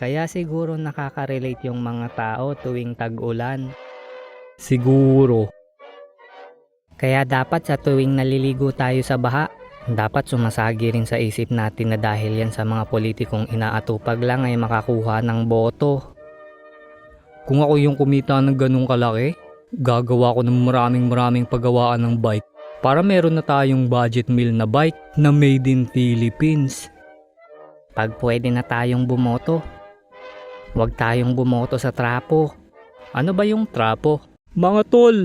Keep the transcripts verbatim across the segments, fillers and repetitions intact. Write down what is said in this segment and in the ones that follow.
Kaya siguro nakaka-relate yung mga tao tuwing tag-ulan. Siguro. Kaya dapat sa tuwing naliligo tayo sa baha, dapat sumasagi rin sa isip natin na dahil yan sa mga politikong inaatupag lang ay makakuha ng boto. Kung ako yung kumita ng ganung kalaki, gagawa ko ng maraming maraming paggawaan ng bike para meron na tayong budget meal na bike na made in Philippines. Pag pwede na tayong bumoto, huwag tayong bumoto sa trapo. Ano ba yung trapo? Mga tol!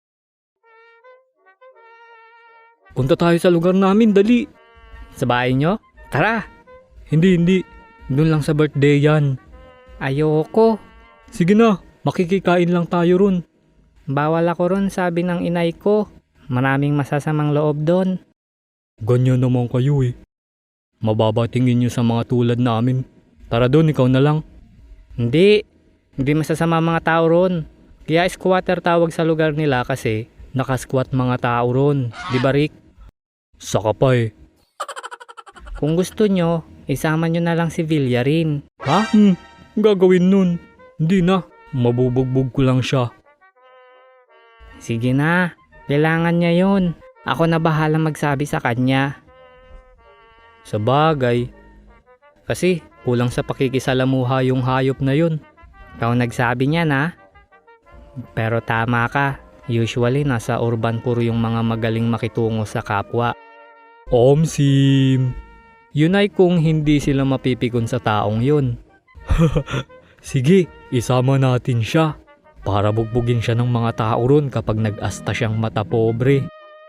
Punta tayo sa lugar namin, dali! Sa bahay nyo? Tara! Hindi, hindi. Doon lang sa birthday yan. Ayoko. Sige na, makikikain lang tayo ron. Bawal ako ron, sabi ng inay ko. Maraming masasamang loob doon. Ganyan naman kayo eh. Mababa tingin nyo sa mga tulad namin. Tara doon, ikaw na lang. Hindi. Hindi masasama mga tao ron. Kaya squatter tawag sa lugar nila kasi nakasquat mga tao ron. Di ba, Rick? Saka pa eh. Kung gusto nyo, isama nyo na lang si Villarin. Ha? Hmm, gagawin nun. Hindi na. Mabubugbog ko lang siya. Sige na. Kailangan niya yun. Ako na bahala magsabi sa kanya. Sa bagay. Kasi kulang sa pakikisalamuha yung hayop na yun. Ikaw nagsabi niya na. Pero tama ka. Usually nasa urban puro yung mga magaling makitungo sa kapwa. Omsim. Yun ay kung hindi sila mapipikon sa taong yun. Sige, isama natin siya. Para bugbugin siya ng mga tao ron kapag nag-asta siyang mata pobre.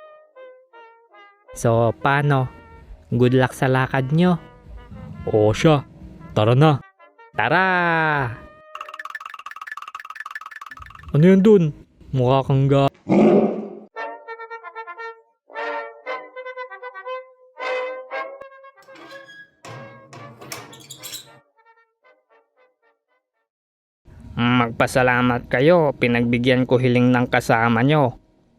So, paano? Good luck sa lakad nyo. Oo siya. Tara na. Tara! Ano yun dun? Mukha kang ga... Magpasalamat kayo, pinagbigyan ko hiling ng kasama nyo.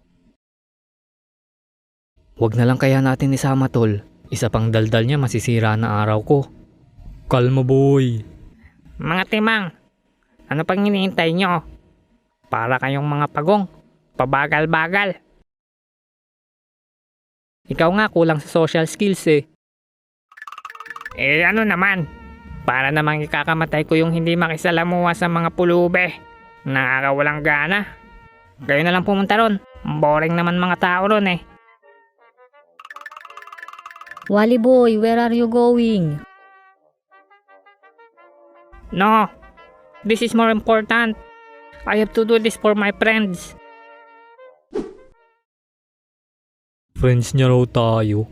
Huwag na lang kaya natin isama tol. Isa pang daldal niya masisira na araw ko. Kalma boy. Mga timang, ano pang hinihintay nyo? Para kayong mga pagong, pabagal-bagal. Ikaw nga kulang sa social skills eh. Eh ano naman? Para namang ikakamatay ko yung hindi makisalamuha sa mga pulube. Nakakawalang gana. Kayo na lang pumunta ron. Boring naman mga tao ron eh. Wally boy, where are you going? No, this is more important. I have to do this for my friends. Friends niya raw tayo.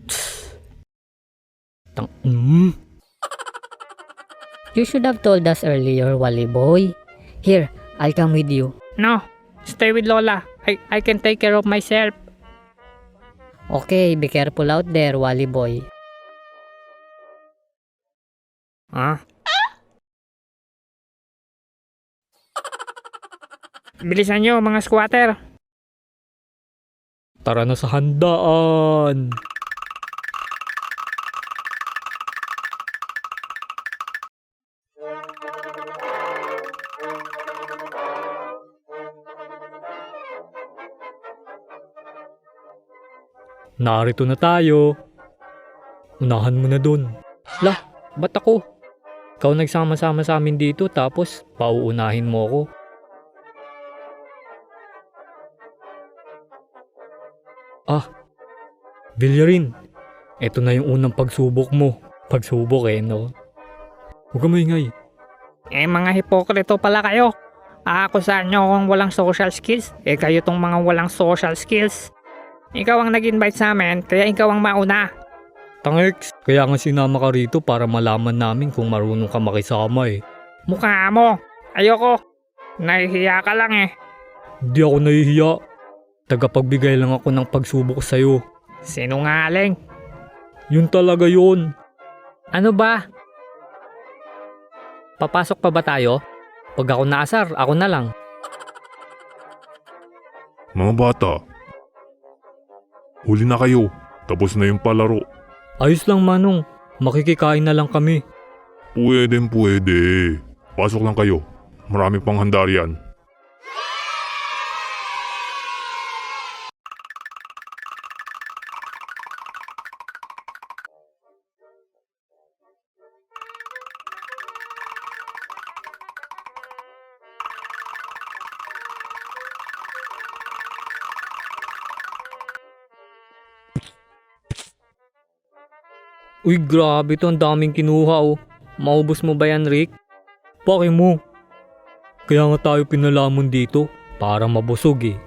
Tang... Mm. You should have told us earlier, Wally boy. Here, I'll come with you. No, stay with Lola. I, I can take care of myself. Okay, be careful out there, Wally boy. Ah? Bilisan nyo mga squatter. Tara na sa handaan. Narito na tayo. Unahan mo na dun. Lah, ba't ako? Ikaw nagsama-sama sa amin dito tapos pauunahin mo ako. Ah, Villarin, eto na yung unang pagsubok mo. Pagsubok eh, no? Huwag ka maingay. Eh, mga hipokrito pala kayo. Aakusahan nyo kung walang social skills. Eh, kayo tong mga walang social skills. Ikaw ang nag-invite sa amin, kaya ikaw ang mauna. Tangex, kaya nga sinama ka rito para malaman namin kung marunong ka makisama eh. Mukha mo, ayoko. Nahihiya ka lang eh. Hindi ako nahihiya. Tagapagbigay lang ako ng pagsubok sa'yo. Sinungaling. Yun talaga yun. Ano ba? Papasok pa ba tayo? Pag ako naasar, ako na lang. Mga bata, huli na kayo. Tapos na yung palaro. Ayos lang Manong, makikikain na lang kami. Pwedeng pwede. Pasok lang kayo. Marami pang handa riyan. Uy, grabe to, ang daming kinuha oh. Maubos mo ba yan, Rick? Paki mo. Kaya nga tayo pinalamon dito, para mabusog eh.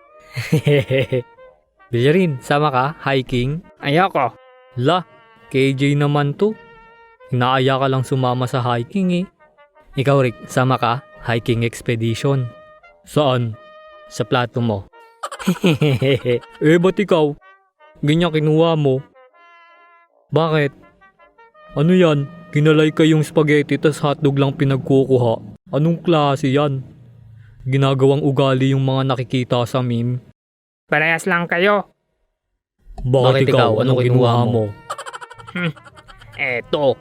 Bilyarin, sama ka? Hiking? Ayoko. La, K J naman to. Inaaya ka lang sumama sa hiking eh. Ikaw, Rick, sama ka? Hiking expedition. Saan? Sa plato mo. Eh, ba't ikaw? Ganyan kinuha mo. Bakit? Ano yan? Kinalay kayong spaghetti tas hotdog lang pinagkukuha. Anong klase yan? Ginagawang ugali yung mga nakikita sa meme. Parehas lang kayo. Bakit, ikaw? Anong kinuha mo? Eto.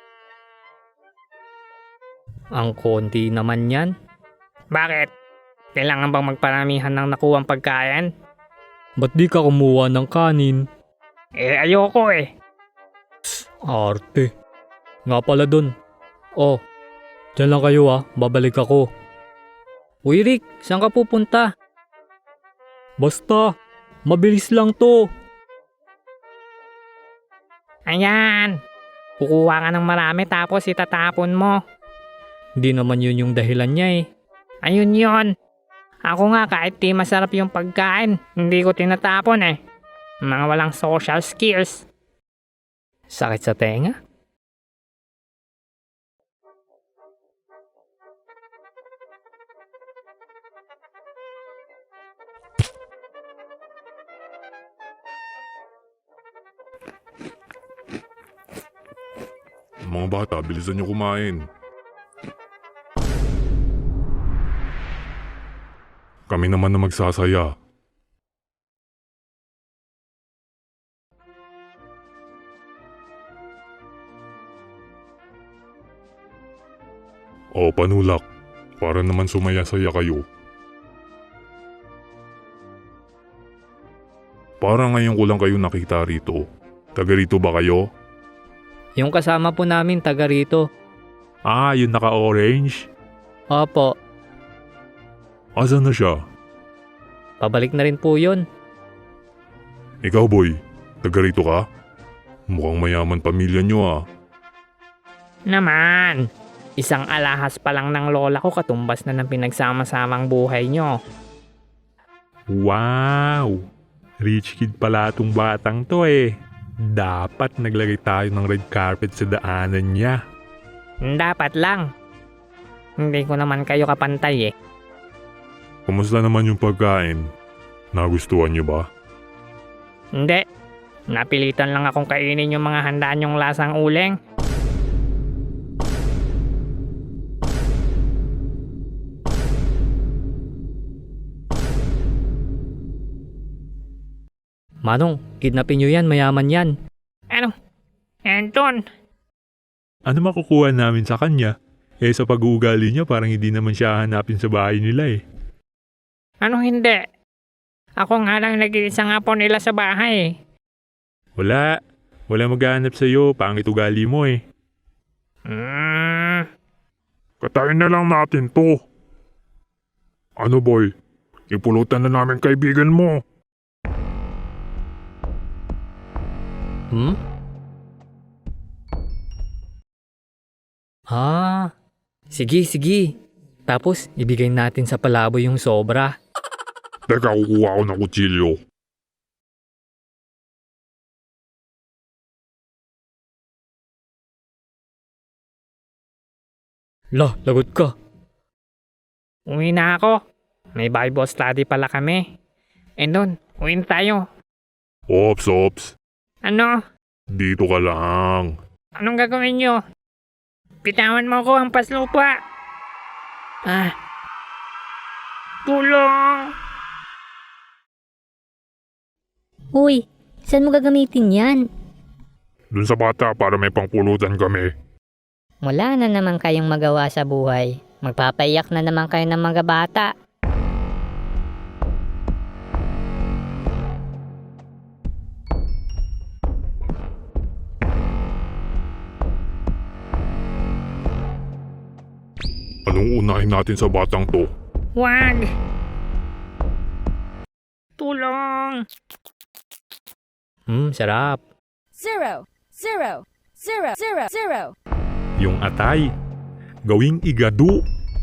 Ang konti naman yan. Bakit? Kailangan bang magparamihan ng nakuwang pagkain? Ba't di ka kumuha ng kanin? Eh, ayoko eh. Arte. Nga pala dun. Oh, dyan lang kayo ah. Babalik ako. Uy Rick, saan ka pupunta? Basta, mabilis lang to. Ayan. Kukuha ka ng marami tapos itatapon mo. Hindi naman yun yung dahilan niya eh. Ayun yon. Ako nga kahit di masarap yung pagkain, hindi ko tinatapon eh. Mga walang social skills. Sakit sa tenga? Mga bata, bilisan niyo kumain. Kami naman na magsasaya. O panulak, para naman sumaya-saya kayo. Para ngayon ko lang kayo nakita rito. Taga rito ba kayo? Yung kasama po namin taga rito. Ah, yung naka-orange? Opo, Asan na siya? pabalik na rin po yun. Ikaw boy, taga rito ka? Mukhang mayaman pamilya nyo ah. Naman. Isang alahas pa lang ng lola ko katumbas na ng pinagsama-samang buhay nyo. Wow! Rich kid pala tong batang to eh. Dapat naglagay tayo ng red carpet sa daanan niya. Dapat lang. Hindi ko naman kayo kapantay eh. Kumusta naman yung pagkain? Nagustuhan niyo ba? Hindi. Napilitan lang akong kainin yung mga handaan yung lasang uling. Manong, kidnapin nyo yan, mayaman yan. Ano? Anton? Ano makukuha namin sa kanya? Eh sa pag-uugali niya parang hindi naman siya hanapin sa bahay nila eh. Ano hindi? Ako nga lang nag-iisa nga po nila sa bahay eh. Wala. Wala maghahanap sa'yo. Pangit ugali mo eh. Hmm. Katayin na lang natin to. Ano boy? Ipulutan na namin kaibigan mo. Hmm? Ah, sige, sige. Tapos, ibigay natin sa palaboy yung sobra. Teka, kukuha ko ng kutsilyo. Lah, lagot ka. Uwi na ako. May Bible study pala kami. Eh nun, uwi na tayo. Ops, ops. Ano? Dito ka lang. Anong gagawin nyo? Pitawan mo ko ang paslupa. Ah. Tulong! Uy, saan mo gagamitin yan? Dun sa bata para may pangpulutan kami. Wala na naman kayong magawa sa buhay. Magpapaiyak na naman kayo ng mga bata. Anong unahin natin sa batang to? Wag! Tulong! Hmm, sarap. Zero, zero, zero, zero, zero. Yung atay. Gawing igado.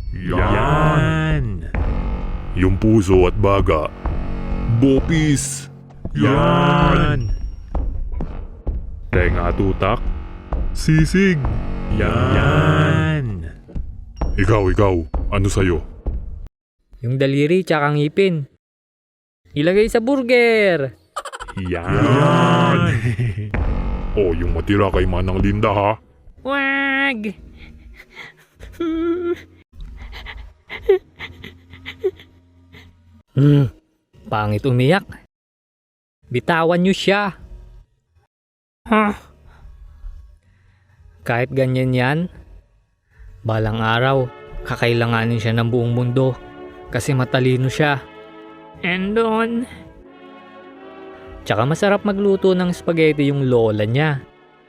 Yan. Yung puso at baga. Bopis. Yan. Tenga at utak. Sisig. Yan. Ikaw, ikaw. Ano sa'yo? Yung daliri tsaka ngipin. Ilagay sa burger. Yan. Oh, yung matira kay Manang Linda ha. Wag! Hmm, pangit umiyak. Bitawan niyo siya. Huh? Kahit ganyan yan, balang araw, kakailanganin siya ng buong mundo kasi matalino siya. And on. Tsaka masarap magluto ng spaghetti yung lola niya.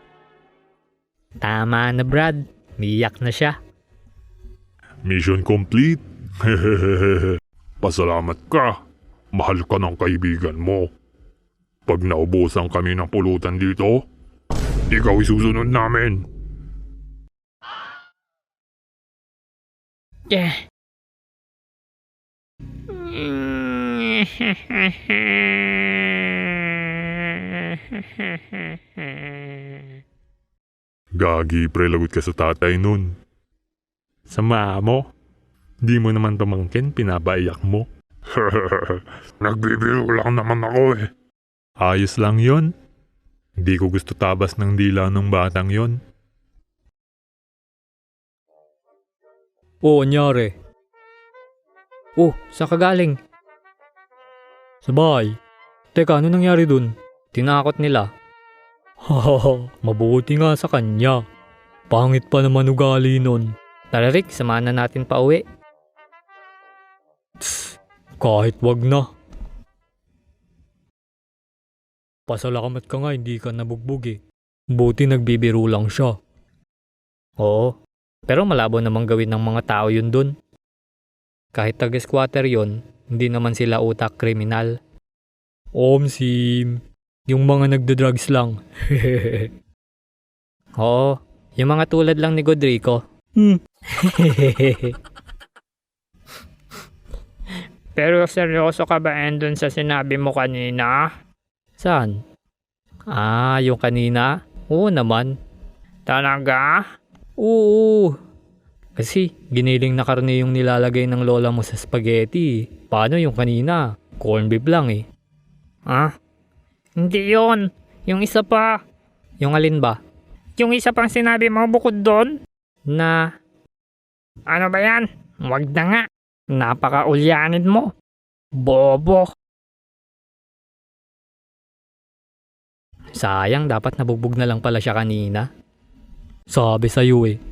Tama na Brad, miyak na siya. Mission complete. Pasalamat ka. Mahal ka ng kaibigan mo. Pag naubusan kami ng pulutan dito, ikaw isusunod namin. Yeah. Gagi, pre, lagot ka sa tatay nun. Sama mo? Di mo naman pamangkin, pinabaiyak mo. Nagbibiro lang naman ako eh. Ayos lang yon. Di ko gusto tabas ng dila ng batang yon. Oo, anyari. Oh, saan ka galing? Sa bahay. Teka, ano nangyari dun? Tinakot nila. Hahaha, mabuti nga sa kanya. Pangit pa naman ugali nun. Tara Rick, samahan na natin pa uwi. Tss, kahit wag na. Pasalamat ka nga, hindi ka nabugbog eh. Buti nagbibiro lang siya. Oo, pero malabo namang gawin ng mga tao yun dun. Kahit taga-squatter yun, hindi naman sila utak kriminal. Omsim, yung mga nagda-drugs lang. Oo, yung mga tulad lang ni Godrico. Hmm. Pero seryoso ka ba Endon sa sinabi mo kanina? Saan? Ah, yung kanina? Oo naman. Talaga? Oo. Kasi giniling na karne yung nilalagay ng lola mo sa spaghetti. Paano yung kanina? Corn beef lang eh. Ah? Hindi yon. Yung isa pa. Yung alin ba? Yung isa pang sinabi mo bukod doon? Na, Ano ba yan? Wag na nga. Napaka-ulyanin mo. Bobo. sayang dapat nabugbog na lang pala siya kanina. Sabi sa'yo eh.